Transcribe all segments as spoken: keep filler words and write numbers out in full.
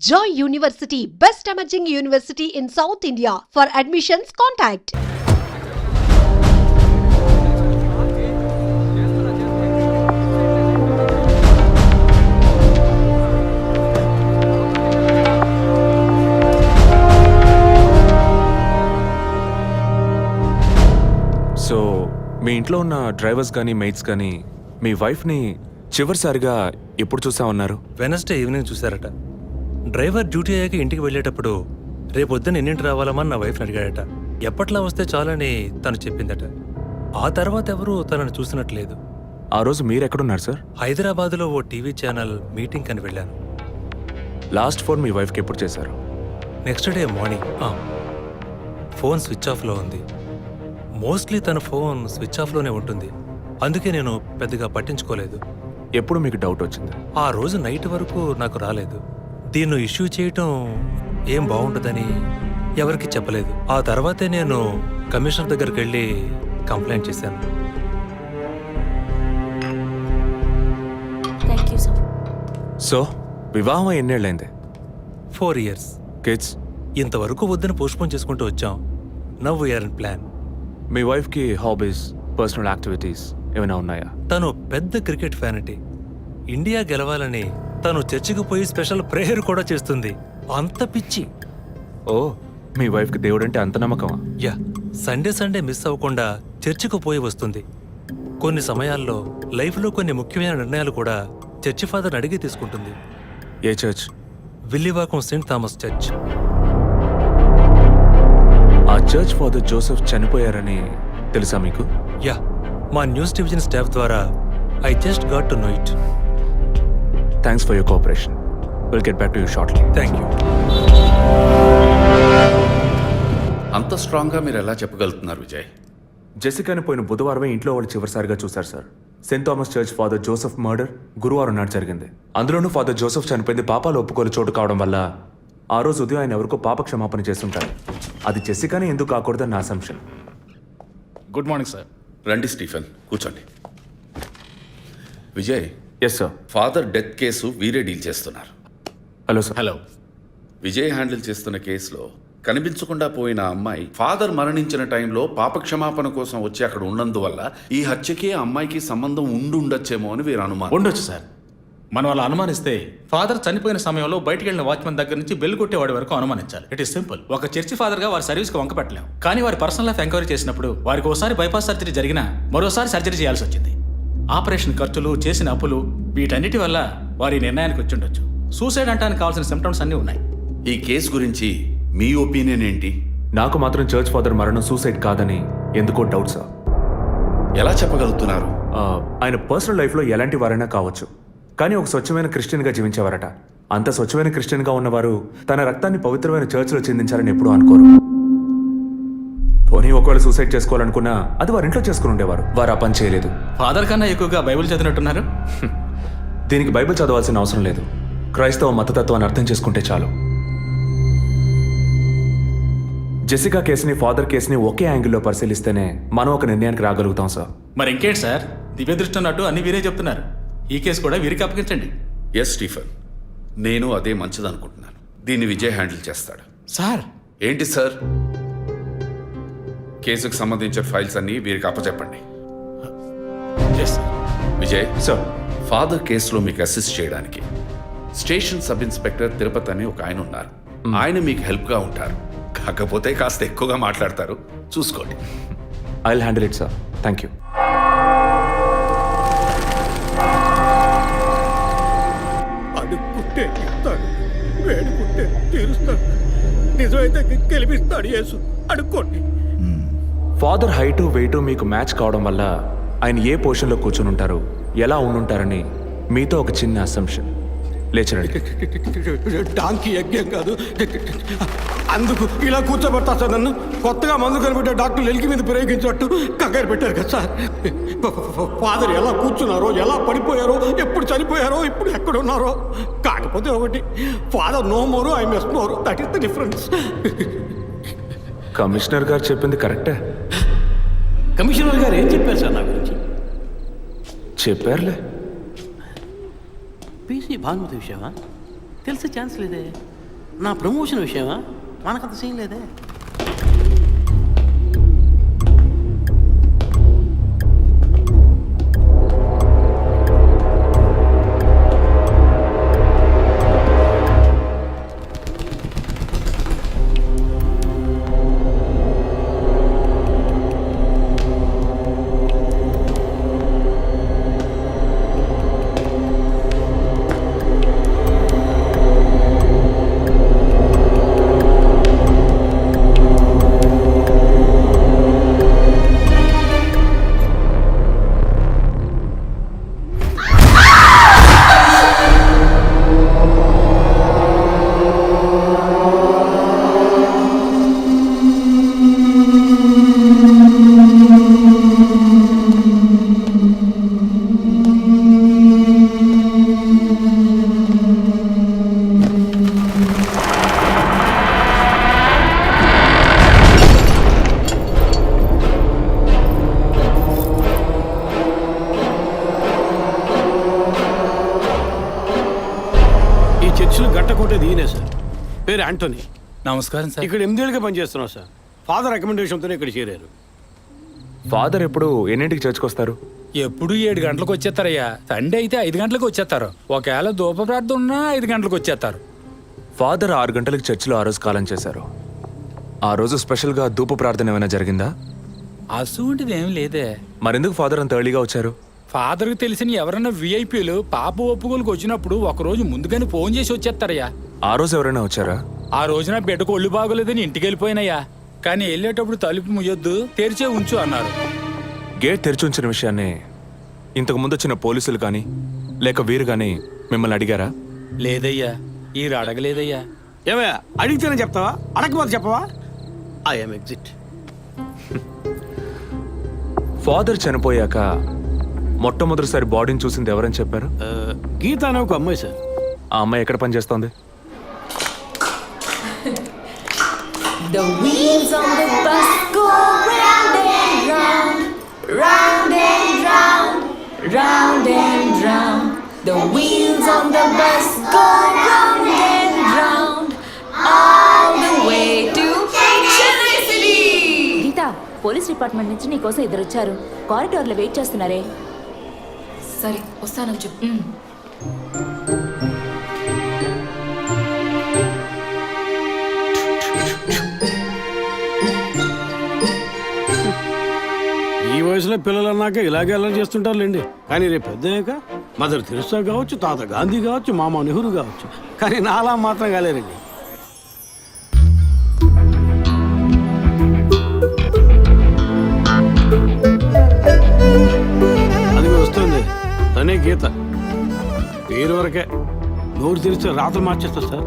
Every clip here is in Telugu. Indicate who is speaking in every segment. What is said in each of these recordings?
Speaker 1: Joy University, best emerging university in South India. For admissions, contact.
Speaker 2: So మీ ఇంట్లో ఉన్న డ్రైవర్స్ కానీ మెయిట్స్ కానీ మీ వైఫ్ని చివరిసారిగా ఎప్పుడు చూసా ఉన్నారు?
Speaker 3: వెనస్డే ఈవినింగ్ చూశారట. డ్రైవర్ డ్యూటీ అయ్యాక ఇంటికి వెళ్ళేటప్పుడు రేపొద్దున ఎన్నింటి రావాలమని నా వైఫ్ని అడిగాడట. ఎప్పట్లా వస్తే చాలని తను చెప్పిందట. ఆ తర్వాత ఎవరూ తనను చూసినట్లేదు.
Speaker 2: ఆ రోజు మీరు ఎక్కడున్నారు సార్?
Speaker 3: హైదరాబాద్లో ఓ టీవీ ఛానల్ మీటింగ్ అని వెళ్ళాను.
Speaker 2: లాస్ట్ ఫోన్ మీ వైఫ్కి ఎప్పుడు చేశారు?
Speaker 3: Next day morning. Phone switch ఆఫ్లో ఉంది. మోస్ట్లీ తన ఫోన్ స్విచ్ ఆఫ్లోనే ఉంటుంది. అందుకే నేను పెద్దగా పట్టించుకోలేదు.
Speaker 2: ఎప్పుడు మీకు డౌట్ వచ్చింది?
Speaker 3: ఆ రోజు నైట్ వరకు నాకు రాలేదు. దీన్ని ఇష్యూ చేయటం ఏం బాగుంటుందని ఎవరికి చెప్పలేదు. ఆ తర్వాతే నేను కమిషనర్ దగ్గరికి వెళ్ళి కంప్లైంట్ చేశాను.
Speaker 2: సో వివాహం ఎన్నేళ్ళైంది?
Speaker 3: Four years.
Speaker 2: కిడ్స్?
Speaker 3: ఇంతవరకు వద్దని పోస్ట్పోన్ చేసుకుంటూ వచ్చాం. Now we're in plan.
Speaker 2: మీ వైఫ్కి హాబీస్, పర్సనల్ యాక్టివిటీస్ ఏమైనా ఉన్నాయా?
Speaker 3: తను పెద్ద క్రికెట్ ఫ్యానిటీ. ఇండియా గెలవాలని తను చర్చికి పోయి స్పెషల్ ప్రేయర్ కూడా చేస్తుంది. అంత పిచ్చి.
Speaker 2: ఓ, మీ వైఫ్కి దేవుడు అంటే అంత నమ్మకమా?
Speaker 3: యా, సండే సండే మిస్ అవ్వకుండా చర్చికి పోయి వస్తుంది. కొన్ని సమయాల్లో లైఫ్లో కొన్ని ముఖ్యమైన నిర్ణయాలు కూడా చర్చి ఫాదర్ని అడిగి తీసుకుంటుంది.
Speaker 2: ఏ church?
Speaker 3: Villivakkam Saint Thomas Church.
Speaker 2: ఆ చర్చ్ ఫాదర్ జోసెఫ్ చనిపోయారని తెలుసా మీకు?
Speaker 3: యా, మా న్యూస్ డివిజన్ స్టాఫ్ ద్వారా I just got to know it.
Speaker 2: Thanks for your cooperation. Will get back to you shortly.
Speaker 3: Thank you.
Speaker 4: అంత స్ట్రాంగ్గా మీరు ఎలా చెప్పగలుగుతున్నారు విజయ్?
Speaker 2: జెసికాని పోయిన బుధవారమే ఇంట్లో వాళ్ళు చివరిసారిగా చూశారు sir. Saint Thomas Church father Joseph murder గురువారం నాడు జరిగింది. అందులోనూ ఫాదర్ జోసెఫ్ చనిపోయింది పాపాలు ఒప్పుకోలు చోటు కావడం వల్ల ఆ రోజు ఉదయం ఆయన ఎవరికో పాప క్షమాపణ చేస్తుంటారు. అది జెసికానే ఎందుకు కాకూడదని నా అసంప్షన్.
Speaker 5: Good morning sir.
Speaker 4: రండి స్టీఫెన్, కూర్చోండి. Vijay,
Speaker 2: yes sir.
Speaker 4: Father death case వీరే డీల్ చేస్తున్నారు.
Speaker 2: Hello sir.
Speaker 5: Hello.
Speaker 4: Vijay handle చేస్తున్న కేసులో కనిపించకుండా పోయిన అమ్మాయి ఫాదర్ మరణించిన టైంలో పాప క్షమాపణ కోసం వచ్చి అక్కడ ఉన్నందువల్ల ఈ హత్యకి ఆ అమ్మాయికి సంబంధం ఉండి ఉండొచ్చేమో అని వీరు అనుమానం.
Speaker 5: ఉండొచ్చు సార్. మనం అలా అనుమానిస్తే ఫాదర్ చనిపోయిన సమయంలో బయటికి వెళ్ళిన వాచ్మెన్ దగ్గర నుంచి బెల్ కొట్టేవాడి వరకు అనుమానించాలి. It is simple. ఒక చర్చి ఫాదర్గా వారి సర్వీస్కి వంక పెట్టలేం. కానీ వారి పర్సనల్ లైఫ్ ఎంక్వైరీ చేసినప్పుడు వారికి ఒకసారి బైపాస్ సర్జరీ జరిగినా మరోసారి సర్జరీ చేయాల్సి వచ్చింది. ఆపరేషన్ ఖర్చులు, చేసిన అప్పులు, వీటన్నిటి వల్ల వారి నిర్ణయానికి వచ్చి ఉండొచ్చు. సూసైడ్ అంటానికి కావాల్సిన సిమ్టమ్స్ అన్నీ ఉన్నాయి.
Speaker 4: ఈ కేసు గురించి మీ ఒపీనియన్ ఏంటి?
Speaker 2: నాకు మాత్రం చర్చ్ ఫాదర్ మరణం సూసైడ్ కాదని ఎందుకో డౌట్ సార్.
Speaker 4: ఎలా చెప్పగలుగుతున్నారు?
Speaker 2: ఆయన పర్సనల్ లైఫ్లో ఎలాంటి వారైనా కావచ్చు, కానీ ఒక స్వచ్ఛమైన క్రిస్టియన్గా జీవించేవారట. అంత స్వచ్ఛమైన క్రిస్టియన్గా ఉన్నవారు తన రక్తాన్ని పవిత్రమైన చర్చ్లో చెందించాలని ఎప్పుడూ అనుకోరు. పోనీ ఒకవేళ సూసైడ్ చేసుకోవాలనుకున్నా అది వారి ఇంట్లో చేసుకుని ఉండేవారు. వారు ఆ పని చేయలేదు.
Speaker 5: ఫాదర్ కన్నా ఎక్కువగా బైబిల్ చదివినట్టున్నారు.
Speaker 2: దీనికి బైబిల్ చదవాల్సిన అవసరం లేదు. క్రైస్తవ మతతత్వాన్ని అర్థం చేసుకుంటే చాలు. జెసికా కేసుని, ఫాదర్ కేసుని ఒకే యాంగిల్లో పరిశీలిస్తేనే మనం ఒక నిర్ణయానికి రాగలుగుతాం సార్.
Speaker 5: మరి ఇంకేంటి సార్, దివ్య దృష్టి అన్నట్టు అన్ని వీరే చెప్తున్నారు. ఈ కేసు కూడా వీరికి అప్పగించండి.
Speaker 4: ఎస్ స్టీఫెన్, నేను అదే మంచిదనుకుంటున్నాను. దీన్ని విజయ్ హ్యాండిల్ చేస్తాడు.
Speaker 5: సార్.
Speaker 4: ఏంటి సార్? కేసుకు సంబంధించిన ఫైల్స్ అన్ని వీరికి అప్పచెప్పండి. విజయ్
Speaker 2: సార్,
Speaker 4: ఫాదర్ కేసులో మీకు అసిస్ట్ చేయడానికి స్టేషన్ సబ్ ఇన్స్పెక్టర్ తిరుపతి అని ఒక ఆయన ఉన్నారు. ఆయన మీకు హెల్ప్గా ఉంటారు. కాకపోతే కాస్త ఎక్కువగా మాట్లాడతారు, చూసుకోండి.
Speaker 2: I will handle it sir. Thank you.
Speaker 6: అడుక్కుంటే ఇస్తాడు, వేడుకుంటే తీరుస్తాడు, నిజమైతే గెలిపిస్తాడు యేసు. అడుక్కోండి.
Speaker 2: ఫాదర్ హైటు వెయిటు మీకు మ్యాచ్ కావడం వల్ల ఆయన ఏ పొజిషన్లో కూర్చుని ఉంటారు, ఎలా ఉండుంటారని మీతో ఒక చిన్న అసంప్షన్. లేచరండి.
Speaker 6: డాంకీ యజ్ఞం కాదు, అందుకు ఇలా కూర్చోబెడతా సార్. నన్ను కొత్తగా మందు కనిపెట్టే డాక్టర్లు ఎలికి మీద ప్రయోగించినట్టు కంగారు పెట్టారు కదా సార్. ఫాదర్ ఎలా కూర్చున్నారో, ఎలా పడిపోయారో, ఎప్పుడు చనిపోయారో, ఇప్పుడు ఎక్కడున్నారో. కాకపోతే ఒకటి, father no more, I miss more. That is the difference.
Speaker 2: Commissioner గారు చెప్పింది కరెక్టే.
Speaker 6: కమిషనర్ గారు ఏం చెప్పారు సార్ నా గురించి?
Speaker 2: చెప్పారులే.
Speaker 7: పీసీ భానుమతి విషయమా? తెలిసే ఛాన్స్ లేదే.
Speaker 6: నా ప్రమోషన్ విషయమా? మనకంత సీన్ లేదే. గట్టకోటేది ఈయనే సార్. పేరు యాంటోనీ.
Speaker 3: నమస్కారం సార్.
Speaker 6: ఇక్కడ ఎనిమిదేళ్ళుగా పనిచేస్తున్నాం సార్. ఫాదర్ రికమెండేషన్తోనే ఇక్కడ చేరారు.
Speaker 2: ఫాదర్ ఎప్పుడు ఎన్నింటికి చర్చ్కి వస్తారు?
Speaker 7: ఎప్పుడు ఏడు గంటలకు వచ్చేస్తారయ్యా. సండే అయితే ఐదు గంటలకు వచ్చేస్తారు. ఒకవేళ ధూప ప్రార్థన ఉన్నా ఐదు గంటలకు వచ్చేస్తారు.
Speaker 2: ఫాదర్ ఆరు గంటలకు చర్చిలో ఆ రోజు కాలం చేశారు. ఆ రోజు స్పెషల్గా ధూప ప్రార్థన ఏమైనా జరిగిందా?
Speaker 7: అసువంటిది ఏం లేదే.
Speaker 2: మరెందుకు ఫాదర్ అంత ఎర్లీగా వచ్చారు?
Speaker 7: ఫాదర్కి తెలిసిన ఎవరైనా విఐపీలు పాప ఒప్పుకోలకు వచ్చినప్పుడు ఒకరోజు ముందుగానే ఫోన్ చేసి వచ్చేస్తారయ్యా.
Speaker 2: ఆ రోజు ఎవరైనా వచ్చారా?
Speaker 7: ఆ రోజున బిడ్డకు ఒళ్ళు బాగోలేదని ఇంటికి వెళ్ళిపోయినయ్యా. కానీ వెళ్ళేటప్పుడు తలుపు ముయ్యొద్దు, తెరిచే ఉంచు అన్నారు.
Speaker 2: గేట్ తెరిచి ఉంచిన విషయాన్ని ఇంతకు ముందు వచ్చిన పోలీసులు కానీ లేక వీరు కానీ మిమ్మల్ని అడిగారా?
Speaker 7: లేదయ్యా, ఈ అడగలేదయ్యా.
Speaker 6: ఏమయ్యా అడిగితేనే చెప్తావా, అడగకపోతే చెప్పవా? I'm exit.
Speaker 2: ఫాదర్ చనిపోయాక మొట్టమొదటిసారి బాడీని చూసింది ఎవరని చెప్పారు?
Speaker 6: గీత అనే ఒక అమ్మాయి సార్.
Speaker 2: ఆ అమ్మాయి ఎక్కడ పనిచేస్తోంది?
Speaker 8: The wheels on the bus go round and round, round and round, round and round. The wheels on the bus go round and round, all the way to Chennai City.
Speaker 9: Geetha, police department నుంచి నీకోసం ఇద్దరు వచ్చారు. కారిడార్లో వెయిట్ చేస్తున్నారే.
Speaker 8: సరే వస్తానని చెప్పు.
Speaker 6: ఈ వయసులో పిల్లలు అన్నాక ఇలాగే అల్లరి చేస్తుంటారులేండి. కానీ రేపు పెద్దయ్యాక మదర్ తెరిసా కావచ్చు, తాత గాంధీ కావచ్చు, మామ నెహ్రూ కావచ్చు, కానీ నాలా మాత్రం కాలేరండి. అది వస్తుంది తనే గీత. పేరు వరకే, నోరు తెరిస్తే రాత్రి మార్చేస్తా సార్.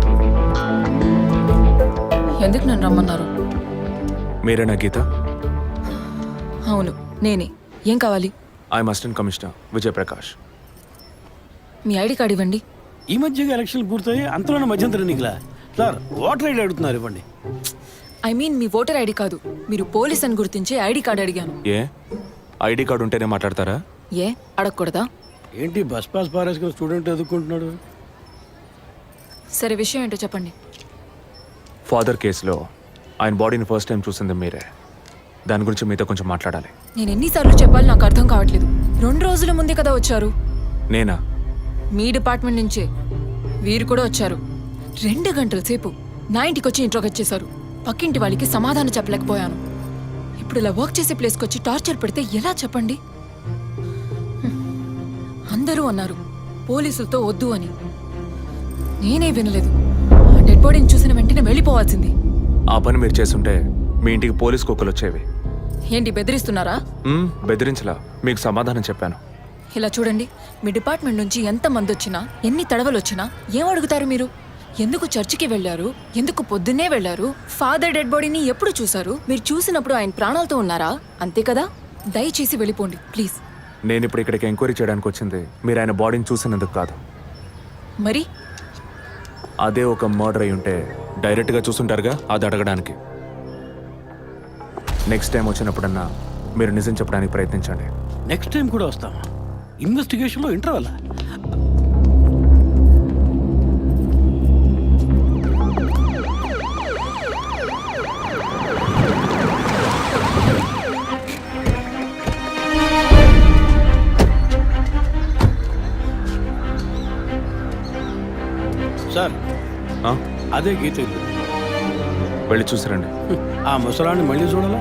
Speaker 8: ఎందుకు నన్ను రమ్మన్నారు?
Speaker 2: మీరేనా గీత?
Speaker 8: అవును నేనే. ఏం కావాలి?
Speaker 2: I'm assistant commissioner Vijayaprakash.
Speaker 8: మీ ఐడి కార్డ్ ఇవ్వండి.
Speaker 6: ఈ మధ్యగా ఎలక్షన్లు పూర్తయి అంతలోనే మధ్యంతరం ఎన్నికలా సార్? ఓటర్ ఐడి అడుగుతున్నారు, ఇవ్వండి.
Speaker 8: ఐ మీన్ మీ ఓటర్ ఐడి కాదు, మీరు పోలీస్ అని గుర్తించే ఐడి కార్డ్ అడిగాను.
Speaker 2: ఏ ఐడి కార్డు ఉంటేనే మాట్లాడతారా?
Speaker 8: ఏ అడగకూడదా?
Speaker 6: ఏంటి బస్ పాస్ పారేసుకుని స్టూడెంట్ ఎదుర్కొంటున్నాడు?
Speaker 8: సరే విషయం ఏంటో చెప్పండి.
Speaker 2: ఫాదర్ కేసులో ఆయన బాడీని ఫస్ట్ టైం చూసింది మీరే. దాని గురించి మీతో కొంచెం మాట్లాడాలి.
Speaker 8: నేను ఎన్నిసార్లు చెప్పాలి, నాకు అర్థం కావట్లేదు. రెండు రోజుల ముందే కదా వచ్చారు.
Speaker 2: నేనా?
Speaker 8: మీ డిపార్ట్మెంట్ నుంచే వీరు కూడా వచ్చారు. రెండు గంటల సేపు నా ఇంటికి వచ్చి ఇంట్రోగేట్ చేశారు. పక్కింటి వాళ్ళకి సమాధానం చెప్పలేకపోయాను. ఇప్పుడు ఇలా వర్క్ చేసే ప్లేస్కి వచ్చి టార్చర్ పెడితే ఎలా చెప్పండి? హ్మ్. అందరూ అన్నారు పోలీసులతో వద్దు అని. నేనే వినలేదు. ఆ డెడ్ బాడీని చూసిన వెంటనే వెళ్ళిపోవాల్సింది.
Speaker 2: ఆ పని మీరు చేస్తుంటే మీ ఇంటికి పోలీస్ కుక్కలు వచ్చేవి.
Speaker 8: ఏంటి బెదిరిస్తున్నారా?
Speaker 2: మ్మ్, బెదిరించలా, మీకు సమాధానం చెప్పాను.
Speaker 8: ఇలా చూడండి, మీ డిపార్ట్మెంట్ నుంచి ఎంత మంది వచ్చినా, ఎన్ని తడవలు వచ్చినా ఏం అడుగుతారు మీరు? ఎందుకు చర్చికి వెళ్ళారు? ఎందుకు పొద్దున్నే వెళ్ళారు? ఫాదర్ డెడ్ బాడీని ఎప్పుడు చూశారు? మీరు చూసినప్పుడు ఆయన ప్రాణాలతో ఉన్నారా? అంతే కదా. దయచేసి వెళ్ళిపోండి ప్లీజ్.
Speaker 2: నేను ఇప్పుడు ఇక్కడికి ఎంక్వైరీ చేయడానికి వచ్చింది మీరు ఆయన బాడీని చూసినందుకు కాదు.
Speaker 8: మరి
Speaker 2: అదే ఒక మర్డర్ అయి ఉంటే డైరెక్ట్గా చూసుంటారుగా, అది అడగడానికి. నెక్స్ట్ టైం వచ్చినప్పుడన్నా మీరు నిజం చెప్పడానికి ప్రయత్నించండి.
Speaker 6: నెక్స్ట్ టైం కూడా వస్తామా? ఇన్వెస్టిగేషన్లో ఇంటర్వల్. సార్
Speaker 2: ఆ?
Speaker 6: అదే గీత ఇల్లు.
Speaker 2: వెళ్ళి చూసిరండి.
Speaker 6: ఆ ముసలాన్ని మళ్ళీ చూడాలా?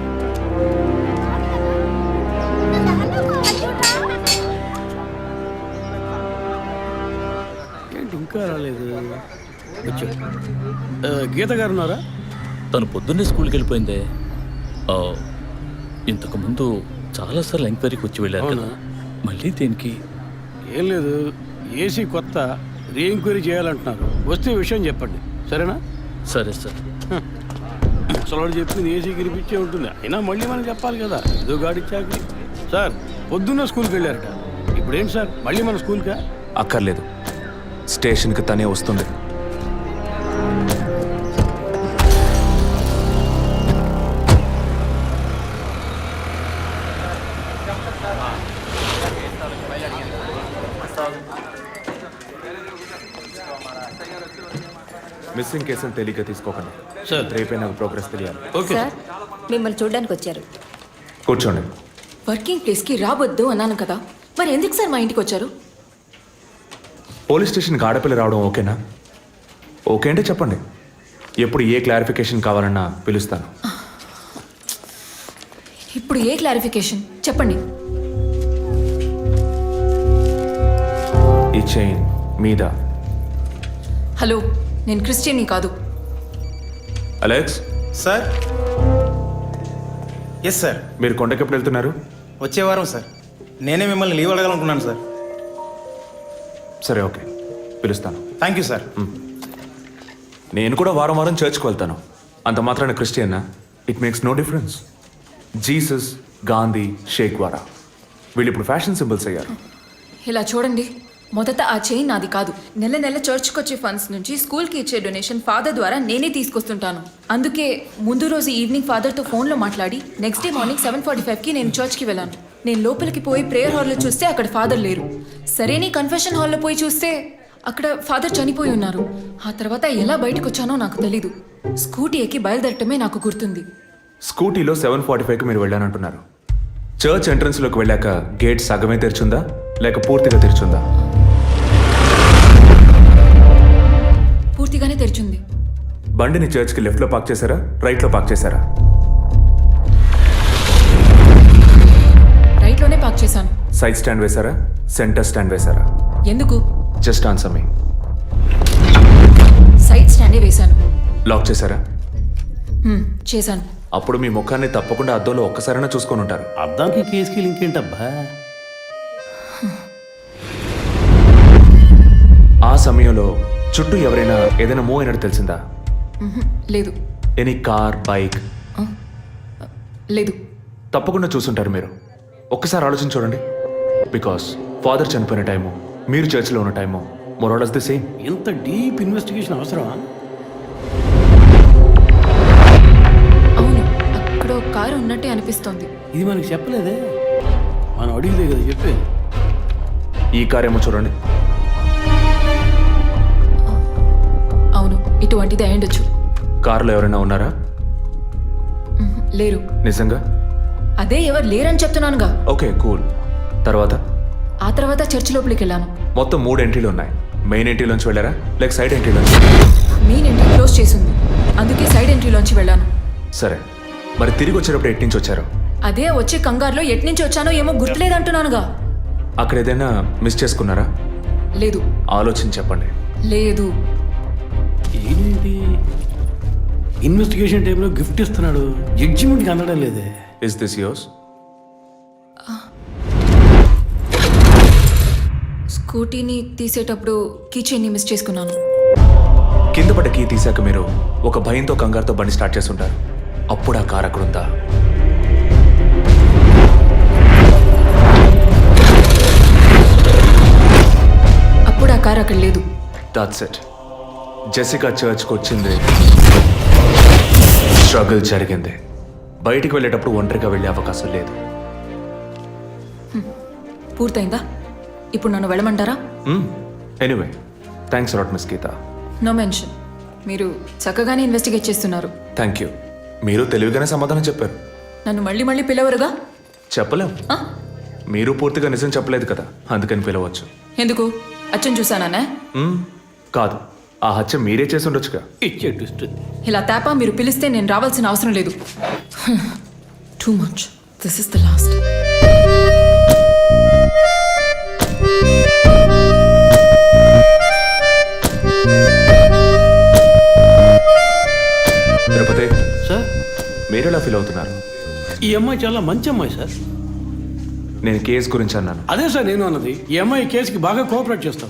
Speaker 6: ఏంటి ఇంకా రాలేదు? వచ్చాడు. ఆ, గీత గారు ఉన్నారా?
Speaker 10: తను పొద్దున్నే స్కూల్కి వెళ్ళిపోయిందే. ఆ, ఇంతకు ముందు చాలాసార్లు ఎంక్వైరీకి వచ్చి వెళ్ళారు కదా, మళ్ళీ దేనికి?
Speaker 6: ఏం లేదు, ఏసీ కొత్త రీ ఎంక్వైరీ చేయాలంటున్నారు. వస్తే విషయం చెప్పండి, సరేనా?
Speaker 10: సరే సార్.
Speaker 6: ముసలాడు చెప్పింది ఏసీ గిరిపించే ఉంటుంది, అయినా మళ్ళీ మనం చెప్పాలి కదా, ఏదో గాడిచ్చాక. సార్ పొద్దున్న స్కూల్కి వెళ్ళారట, ఇప్పుడేంటి సార్ మళ్ళీ మన స్కూల్కా?
Speaker 2: అక్కర్లేదు, స్టేషన్కి తనే వస్తుంది. మిస్సింగ్ కేసును తేలిగ్గా తీసుకోకండి
Speaker 6: సార్
Speaker 2: రేపే నాకు ప్రోగ్రెస్ తెలియాలి.
Speaker 6: ఓకే
Speaker 9: సార్ మిమ్మల్ని చూడడానికి వచ్చారు.
Speaker 2: కూర్చోండి.
Speaker 8: వర్కింగ్ ప్లేస్కి రావద్దు అన్నాను కదా, మరి ఎందుకు సార్ మా ఇంటికి వచ్చారు?
Speaker 2: పోలీస్ స్టేషన్కి ఆడపిల్ల రావడం ఓకేనా? ఓకే అంటే చెప్పండి, ఎప్పుడు ఏ క్లారిఫికేషన్ కావాలన్నా పిలుస్తాను.
Speaker 8: ఇప్పుడు ఏ క్లారిఫికేషన్ చెప్పండి.
Speaker 2: ఈ చైన్ మీద.
Speaker 8: హలో, నేను క్రిస్టియన్ని కాదు.
Speaker 2: Alex,
Speaker 11: sir. Yes sir.
Speaker 2: మీరు కొండకి ఎప్పుడు వెళ్తున్నారు?
Speaker 11: వచ్చే వారం సార్. నేనే మిమ్మల్ని లీవ్ అడగాలనుకున్నాను సార్.
Speaker 2: సరే ఓకే, పిలుస్తాను.
Speaker 11: Thank you sir.
Speaker 2: నేను కూడా వారం వారం చర్చ్కి వెళ్తాను. అంత మాత్రాన క్రిస్టియన్నా? It makes no difference. Jesus, Gandhi, Sheikh వారా వీళ్ళు ఇప్పుడు ఫ్యాషన్ సింబల్స్ అయ్యారు.
Speaker 8: ఇలా చూడండి, మొదట ఆ చైన్ నాది కాదు. నెల నెల చర్చ్కి వచ్చే ఫండ్స్ నుంచి స్కూల్కి ఇచ్చే డొనేషన్ ఫాదర్ ద్వారా నేనే తీసుకొస్తుంటాను. అందుకే ముందు రోజు ఈవినింగ్ ఫాదర్తో ఫోన్లో మాట్లాడి next day morning seven forty ఫైవ్కి నేను చర్చ్కి వెళ్ళాను. నేను లోపలికి పోయి ప్రేయర్ హాల్లో చూస్తే అక్కడ ఫాదర్ లేరు. సరే నీ కన్ఫెషన్ హాల్లో పోయి చూస్తే అక్కడ ఫాదర్ చనిపోయి ఉన్నారు. ఆ తర్వాత ఎలా బయటకు వచ్చానో నాకు తెలీదు. స్కూటీ ఎక్కి బయలుదేరటమే నాకు గుర్తుంది.
Speaker 2: స్కూటీలో సెవెన్ ఫార్టీ ఫైవ్కి మీరు వెళ్ళానంటున్నారు. చర్చ్ ఎంట్రన్స్లోకి వెళ్ళాక గేట్ సగమే తెరిచుందా లేక పూర్తిగా తెరిచుందా?
Speaker 8: పూర్తిగానే తెరిచింది.
Speaker 2: బండిని చర్చ్కి లెఫ్ట్లో పార్క్ చేశారా, రైట్లో పార్క్ చేశారా?
Speaker 8: రైట్లోనే పార్క్ చేశాను.
Speaker 2: సైడ్ స్టాండ్ వేశారా, సెంటర్ స్టాండ్ వేశారా?
Speaker 8: ఎందుకు?
Speaker 2: Just answer me.
Speaker 8: సైడ్ స్టాండే వేశాను.
Speaker 2: లాక్ చేశారా?
Speaker 8: హ్మ్, చేశాను.
Speaker 2: అప్పుడు మీ ముఖాన్ని తప్పకుండా అద్దంలో ఒక్కసారైనా చూసుకొని ఉంటారు.
Speaker 6: అద్దానికి కేసుకి లింక్ ఏంటబ్బా?
Speaker 2: ఆ సమయంలో చుట్టూ ఎవరైనా ఏదైనా మూవ్ అయినట్టు తెలిసిందా?
Speaker 8: మ్హూ, లేదు.
Speaker 2: Any car, bike?
Speaker 8: లేదు.
Speaker 2: తప్పకుండా చూసుంటారు మీరు. ఒక్కసారి ఆలోచించి చూడండి. బికాస్ ఫాదర్ చనిపోయిన టైము, మీరు చర్చిలో ఉన్న టైము మోరాలస్ ది సేమ్.
Speaker 6: ఇంత డీప్ ఇన్వెస్టిగేషన్ అవసరమా?
Speaker 8: అవును, అక్కడ ఒక కారు ఉన్నట్టే అనిపిస్తోంది.
Speaker 6: ఇది మనకి చెప్పలేదే, మనం అడిగితే కదా చెప్పేది.
Speaker 2: ఈ కార్ ఏమో చూడండి.
Speaker 8: అవును, ఇటువంటిది అయ్యుండొచ్చు.
Speaker 2: కారులో ఎవరైనా ఉన్నారా?
Speaker 8: మ్హూ, లేరు.
Speaker 2: నిజంగా?
Speaker 8: అదే ఎవరు లేరని చెప్తున్నానుగా.
Speaker 2: Okay cool. తర్వాత?
Speaker 8: ఆ తర్వాత చర్చ్ లోపలికి వెళ్ళాను.
Speaker 2: మొత్తం మూడు ఎంట్రీలు ఉన్నాయి. మెయిన్ ఎంట్రీలోంచి వెళ్ళారా లేక సైడ్ ఎంట్రీలోంచి?
Speaker 8: మెయిన్ ఎంట్రీ క్లోజ్ చేసింది, అందుకే సైడ్ ఎంట్రీలోంచి వెళ్ళాను.
Speaker 2: సరే, మరి తిరిగి వచ్చేటప్పుడు ఎటు నుంచి వచ్చారు?
Speaker 8: అదే వచ్చే కంగారులో ఎట్నుంచి వచ్చానో ఏమో గుర్తులేదంటున్నానుగా.
Speaker 2: అక్కడ ఏదైనా మిస్ చేసుకున్నారా?
Speaker 8: లేదు.
Speaker 2: ఆలోచించి చెప్పండి.
Speaker 8: లేదు.
Speaker 6: ఏంటి ఇన్వెస్టిగేషన్ టైంలో గిఫ్ట్ ఇస్తున్నాడు, జడ్జిమెంట్కి అందడం లేదే.
Speaker 2: Is this yours?
Speaker 8: స్కూటీని తీసేటప్పుడు కీచైన్ని మిస్ చేసుకున్నాను.
Speaker 2: కింద పడ్డ కీ తీసాక మీరు ఒక భయంతో కంగారుతో బండి స్టార్ట్ చేస్తుంటారు. అప్పుడు ఆ కార్ అక్కడ ఉందా?
Speaker 8: అప్పుడు ఆ కారు అక్కడ లేదు.
Speaker 2: That's it. జెసికా చర్చ్కి వచ్చింది, స్ట్రగుల్ జరిగింది. బయటికి వెళ్ళేటప్పుడు ఒంటరిగా వెళ్ళే అవకాశం లేదు.
Speaker 8: పూర్తయిందా? ఇప్పుడు నన్ను వెళ్ళమంటారా?
Speaker 2: Anyway, thanks lot miss Geetha.
Speaker 8: No mention. మీరు చక్కగానే ఇన్వెస్టిగేట్ చేస్తున్నారు.
Speaker 2: Thank you. మీరు తెలివిగానే సమాధానం చెప్పారు.
Speaker 8: నన్ను మళ్ళీ మళ్ళీ పిలవరుగా?
Speaker 2: చెప్పలేం.
Speaker 8: ఆ?
Speaker 2: మీరు పూర్తిగా నిజం చెప్పలేదు కదా, అందుకని పిలవచ్చు.
Speaker 8: ఎందుకు? అచ్చం చూసానా?
Speaker 2: మ్మ్, కాదు, ఆ హత్య మీరే చేసి ఉండొచ్చుగా.
Speaker 6: ఇచ్చే ట్విస్ట్.
Speaker 8: ఇలా తేపా మీరు పిలిస్తే నేను రావాల్సిన అవసరం లేదు. Too much. This is the last.
Speaker 2: Tirupati
Speaker 6: sir,
Speaker 2: మీరు ఎలా ఫీల్ అవుతున్నారు?
Speaker 6: ఈ అమ్మాయి చాలా మంచి అమ్మాయి సార్.
Speaker 2: నేను కేసు గురించి అన్నాను.
Speaker 6: అదే సార్ నేను అన్నది. ఈ అమ్మాయి కేసుకి బాగా కోఆపరేట్ చేస్తాం.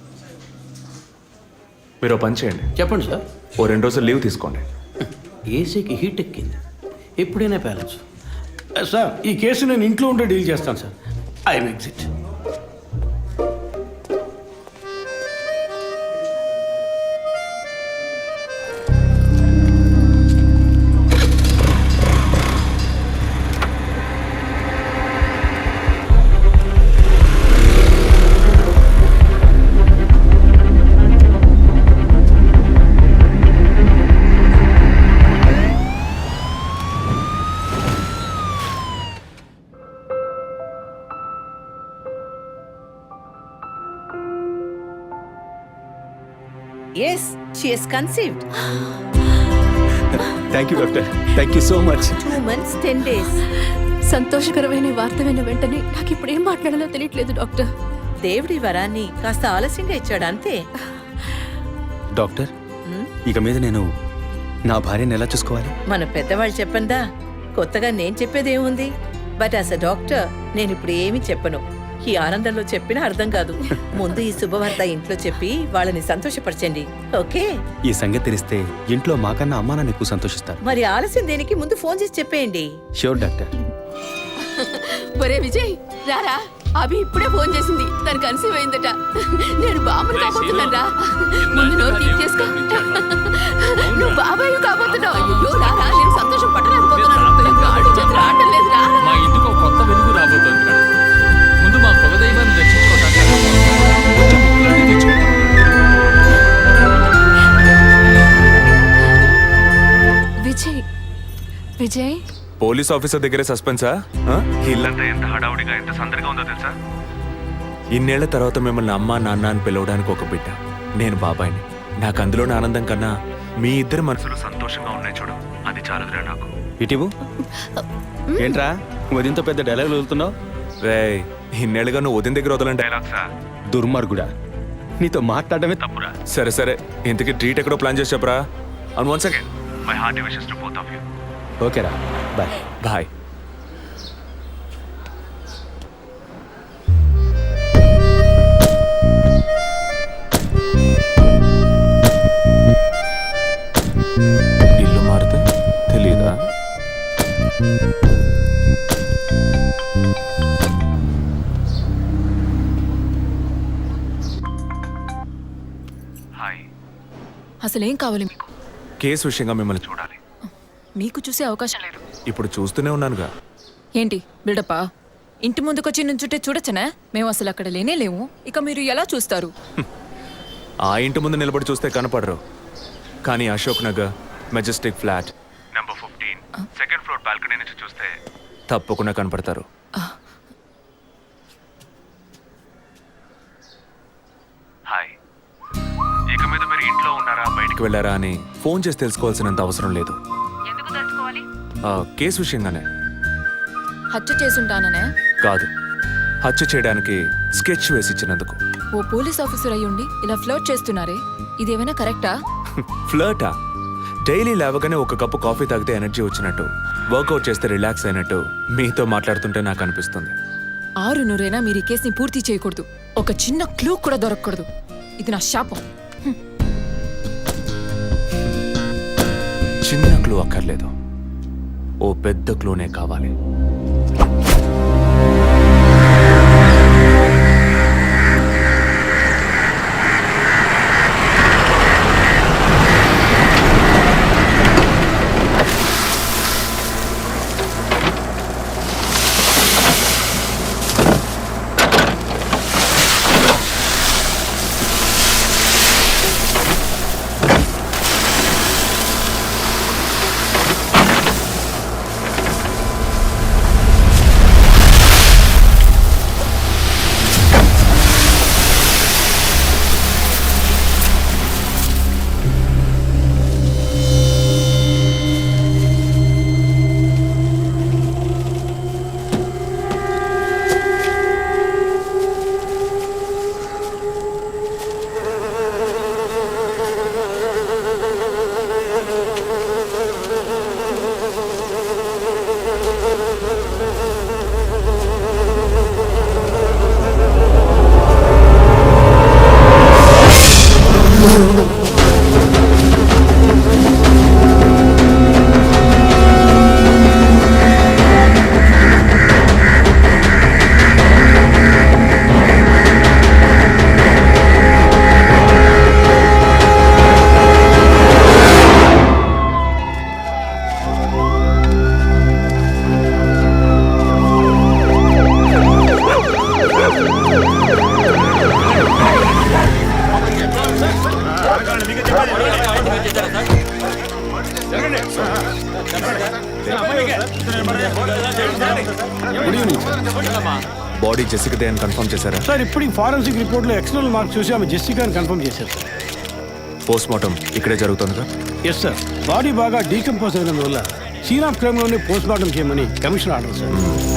Speaker 2: మీరు ఓ పని చేయండి,
Speaker 6: చెప్పండి సార్.
Speaker 2: ఓ రెండు రోజులు లీవ్ తీసుకోండి.
Speaker 6: ఏసీకి హీట్ ఎక్కింది, ఎప్పుడైనా ప్యాలెన్స్. సార్, ఈ కేసు నేను ఇంట్లో ఉంటే డీల్ చేస్తాను sir. I'm exit.
Speaker 12: Yes, she is conceived.
Speaker 11: Thank you doctor, thank you so much.
Speaker 12: Two months, ten days.
Speaker 8: సంతోషకరమైన వార్త విన్న వెంటనే నాకు ఇప్పుడు ఏం మాట్లాడాలో తెలియట్లేదు డాక్టర్.
Speaker 12: దేవుడి వరాన్ని కాస్త ఆలస్యంగా ఇచ్చాడు అంతే.
Speaker 11: డాక్టర్, ఇక మీద నేను నా భార్యను ఎలా చూసుకోవాలి?
Speaker 12: మన పెద్దవాళ్ళు చెప్పందా, కొత్తగా నేను చెప్పేదేముంది. బట్ యాజ్ అ డాక్టర్ నేను ఇప్పుడు ఏమీ చెప్పను. ఈ ఆనందంలో చెప్పినా అర్థం కాదు. ముందు ఈ శుభవార్త ఇంట్లో చెప్పి వాళ్ళని సంతోషపరచండి, ఓకే?
Speaker 11: ఈ సంగతి తెలిస్తే ఇంట్లో మాకన్నా అమ్మా నాన్న ఎక్కువ సంతోషిస్తారు.
Speaker 12: మరి ఆలస్యం దేనికి, ముందు ఫోన్ చేసి చెప్పేయండి.
Speaker 11: Sure doctor.
Speaker 8: ఒరే విజయ్, రారా. అభి ఇప్పుడే ఫోన్ చేసింది, తను కన్సీవ్ అయిందట. నేను బాబుని కాబోతున్నాను రా. ముందు నోరు తీపి చేసుకో. నువ్వు బాబాయ్ కాబోతున్నావు. అయ్యో రారా, నేను సంతోషం పట్టలేకపోతున్నాను. ఆడు చేతులు ఆడటం లేదు రా.
Speaker 10: మా ఇంటికి ఒక కొత్త వెలుగు రాబోతోంది. ముందు మా కులదైవాన్ని దర్శించుకోవటానికి
Speaker 8: విజయ్, విజయ్
Speaker 2: పోలీస్ ఆఫీసర్ దగ్గరే సస్పెన్సా? ఆ? ఇల్లంతా ఎంత హడావుడిగా ఎంత సందడిగా ఉందో తెలుసా? ఇన్నేళ్ల తర్వాత మిమ్మల్ని అమ్మా నాన్న అని పిలవడానికి ఒక బిడ్డ. నేను బాబాయిని. నాకు అందులోని ఆనందం కన్నా మీ ఇద్దరు మనసులు సంతోషంగా ఉన్నాయి చూడు, అది చాలదురా నాకు.
Speaker 11: ఇటీవు ఏంట్రా ఉదయంతో పెద్ద డైలాగులు వదులుతున్నావు?
Speaker 2: రే, ఇన్నేళ్ళుగా నువ్వు ఉదయం దగ్గర వదలని డైలాగ్సా?
Speaker 11: దుర్మార్గుడా, నీతో మాట్లాడమే తప్పురా.
Speaker 2: సరే సరే, ఇంతకీ ట్రీట్ ఎక్కడో ప్లాన్ చేసి చెప్పరా. And once again my hearty wishes to both of you.
Speaker 11: ఓకేరా, బాయ్.
Speaker 2: బాయ్. ఇల్లు మారితే తెలీదా? హాయ్.
Speaker 8: అసలేం కావాలి మీకు?
Speaker 2: కేసు విషయంగా మిమ్మల్ని చూడాలి.
Speaker 8: మీకు చూసే అవకాశం లేదు.
Speaker 2: ఇప్పుడు చూస్తూనే ఉన్నానుగా.
Speaker 8: ఏంటి బిల్డప్పా? ఇంటి ముందుకొచ్చి నుంచుంటే చూడొచ్చనా? మేము అసలు అక్కడ లేనే లేము. ఇక మీరు ఎలా చూస్తారు?
Speaker 2: ఆ ఇంటి ముందు నిలబడి చూస్తే కనపడరు, కానీ Ashok Nagar Majestic flat number fifteen second floor balcony నుంచి చూస్తే తప్పకుండా కనపడతారు. హాయ్. ఇక మీద మీరు ఇంట్లో ఉన్నారా బయటికి వెళ్ళారా అని ఫోన్ చేసి తెలుసుకోవాల్సినంత అవసరం లేదు. కేసు విషయంగానే.
Speaker 8: హత్య చేసుంటాననే
Speaker 2: కాదు, హత్య చేయడానికి స్కెచ్ వేసి ఇచ్చినందుకు.
Speaker 8: ఓ పోలీస్ ఆఫీసర్ అయ్యుండి ఇలా ఫ్లర్ట్ చేస్తున్నారే, ఇదేమైనా కరెక్టా?
Speaker 2: ఫ్లర్టా? డైలీ లేవగానే ఒక కప్పు కాఫీ తాగితే ఎనర్జీ వచ్చినట్టు, వర్కౌట్ చేస్తే రిలాక్స్ అయినట్టు మీతో మాట్లాడుతుంటే నాకు అనిపిస్తుంది.
Speaker 8: ఆరు నూరైనా మీరు ఈ కేసుని పూర్తి చేయకూడదు. ఒక చిన్న క్లూ కూడా దొరకకూడదు. ఇది నా శాపం.
Speaker 2: చిన్న క్లూ అక్కర్లేదు, ఓ పెద్ద క్లూనే కావాలి.
Speaker 6: Good evening sir.
Speaker 2: బాడీ జెసికాదే అని కన్ఫర్మ్ చేశారా?
Speaker 6: సార్ ఇప్పుడు ఫారెన్సిక్ రిపోర్ట్లో ఎక్స్టర్నల్ మార్క్స్ చూసి ఆమె జెసికా అని కన్ఫర్మ్ చేశారు సార్.
Speaker 2: పోస్ట్ మార్టం ఇక్కడే జరుగుతుందిగా?
Speaker 6: Yes sir. బాడీ బాగా డీకంపోజ్ అయినందువల్ల సీన్ ఆఫ్ క్రైమ్లోనే పోస్ట్ మార్టం చేయమని commission order sir.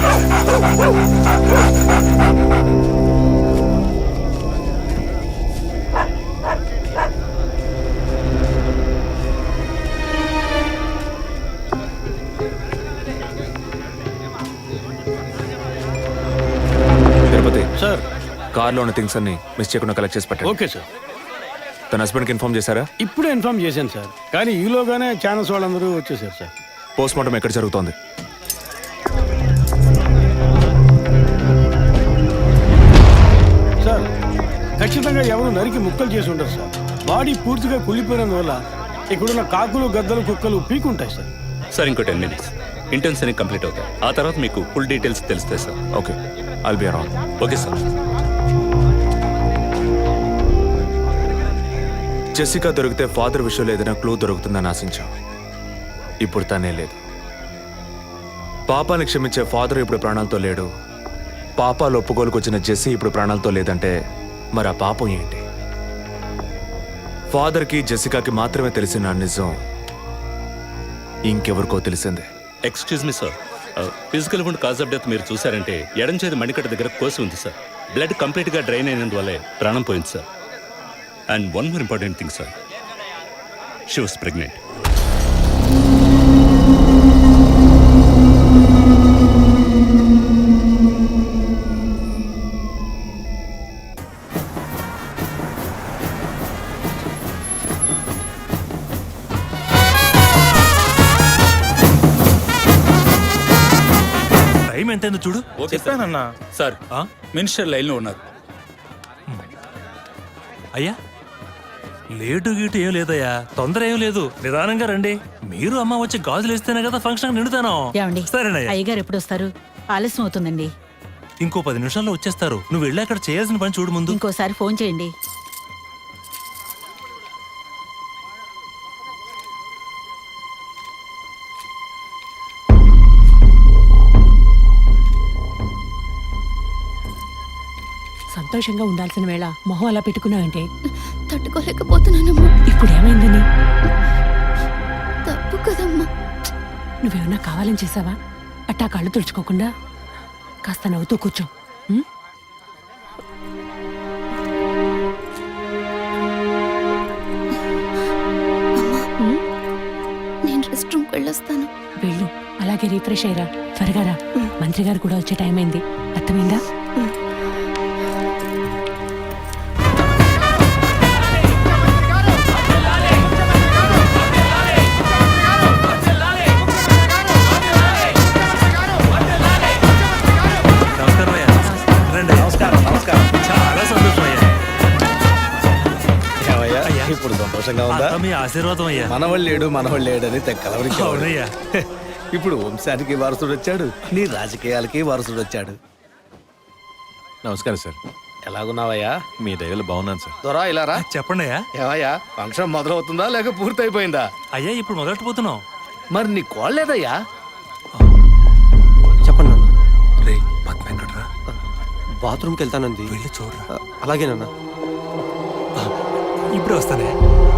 Speaker 2: Tirupati
Speaker 6: sir
Speaker 2: కార్లో ఉన్న థింగ్స్ అన్ని మిస్ చేయకుండా కలెక్ట్ చేసి పెట్టండి.
Speaker 6: Okay sir.
Speaker 2: తన హస్బెండ్కి ఇన్ఫార్మ్ చేశారా?
Speaker 6: ఇప్పుడే ఇన్ఫార్మ్ చేశాను సార్, కానీ ఈలోగానే ఛానల్స్ వాళ్ళందరూ వచ్చేసారు సార్.
Speaker 2: పోస్ట్ మార్టం ఎక్కడ జరుగుతోంది?
Speaker 6: సార్ ఖచ్చితంగా ఎవరు నరికి ముక్కలు చేసి ఉండరు సార్. బాడీ పూర్తిగా కుళ్ళిపోయినందువల్ల ఇక్కడున్న కాకులు గద్దలు కుక్కలు పీకుంటాయి సార్.
Speaker 10: సార్ ఇంకో టెన్ మినిట్స్ ఇంటర్న్స్ అన్ని కంప్లీట్ అవుతాయి. ఆ తర్వాత మీకు ఫుల్ డీటెయిల్స్ తెలుస్తాయి sir.
Speaker 2: Okay, I'll be around.
Speaker 10: Okay sir.
Speaker 2: Jessica దొరికితే ఫాదర్ విషయంలో ఏదైనా క్లూ దొరుకుతుందని ఆశించాం. ఇప్పుడు తనే లేదు. పాపాన్ని క్షమించే ఫాదర్ ఇప్పుడు ప్రాణాలతో లేడు. పాపాలు ఒప్పుకోలుకు వచ్చిన జెస్సీ ఇప్పుడు ప్రాణాలతో లేదంటే మరి ఆ పాపం ఏంటి? ఫాదర్కి జెసికాకి మాత్రమే తెలిసిన నిజం ఇంకెవరికో తెలిసిందే.
Speaker 10: Excuse me sir, physical wound cause of death మీరు చూసారంటే ఎడం చేతి మణికట్ట దగ్గర కోసి ఉంది సార్. బ్లడ్ కంప్లీట్గా డ్రైన్ అయినందువల్లే ప్రాణం పోయింది sir. And one more important thing sir, she was pregnant.
Speaker 3: Time ఎంతైందో చూడు.
Speaker 7: చెప్పానన్నా
Speaker 3: సార్ ఆ?
Speaker 7: మినిస్టర్ లైన్లో ఉన్నారు.
Speaker 3: అయ్యా లేటు గీటు ఏం లేదయ్యా, తొందర ఏం లేదు, నిదానంగా రండి. మీరు అమ్మ వచ్చి గాజులు వేస్తేనే కదా ఫంక్షన్ నిండుతాను. సరేనయ్యా.
Speaker 9: అయ్యగారు ఎప్పుడు వస్తారు? ఆలస్యం అవుతుందండి.
Speaker 3: ఇంకో పది నిమిషాల్లో వచ్చేస్తారు. నువ్వు వెళ్ళి అక్కడ చేయాల్సిన పని చూడు ముందు.
Speaker 9: ఇంకోసారి ఫోన్ చేయండి.
Speaker 8: సంతోషంగా ఉండాల్సిన వేళ మొహం అలా పెట్టుకున్నావంటే
Speaker 9: తట్టుకోలేకపోతున్నానమ్మా.
Speaker 8: ఇప్పుడు ఏమైందని?
Speaker 9: తప్పు కదమ్మా.
Speaker 8: నువ్వేమన్నా కావాలని చేసావా? అట్టా కళ్ళు తుడుచుకోకుండా కాస్త నవ్వుతూ కూర్చో. ఉం?
Speaker 9: నేను రెస్ట్ రూమ్కి వెళ్ళొస్తాను.
Speaker 8: వెళ్ళు, అలాగే రీఫ్రెష్ అయ్యరా. త్వరగా రా, మంత్రి గారు కూడా వచ్చే టైం అయింది. అర్థమైందా?
Speaker 3: నమస్కారం అయ్యా. రండి. చాలా సంతోషం అయ్యా. అయ్యా,
Speaker 6: ఇప్పుడు సంతోషంగా ఉందా?
Speaker 3: అంతా మీ ఆశీర్వాదం అయ్యా.
Speaker 6: మనవాళ్ళు లేడు మనవాళ్ళు లేడని తెక్కలవరికి
Speaker 3: అవునయ్యా.
Speaker 6: ఇప్పుడు వంశానికి వారసుడు వచ్చాడు, నీ రాజకీయాలకి వారసుడు వచ్చాడు.
Speaker 11: నమస్కారం సార్.
Speaker 6: ఎలాగున్నావయ్యా?
Speaker 11: మీ దయలు బాగున్నాను సార్.
Speaker 6: దొరా ఇలా రా.
Speaker 3: చెప్పండి అయ్యా.
Speaker 6: ఏవయ్యా, ఫంక్షన్ మొదలవుతుందా లేక పూర్తయిపోయిందా?
Speaker 3: అయ్యా ఇప్పుడు మొదలెట్టబోతున్నాం.
Speaker 6: మరి నీ కోళ్ళేదయ్యా?
Speaker 11: చెప్పండి నాన్న.
Speaker 3: రే పద్మ ఎక్కడ్రా?
Speaker 11: బాత్రూమ్కి వెళ్తానంది.
Speaker 3: వెళ్ళి చూడరా.
Speaker 11: అలాగేనన్నా.
Speaker 3: ఇప్పుడే వస్తానే.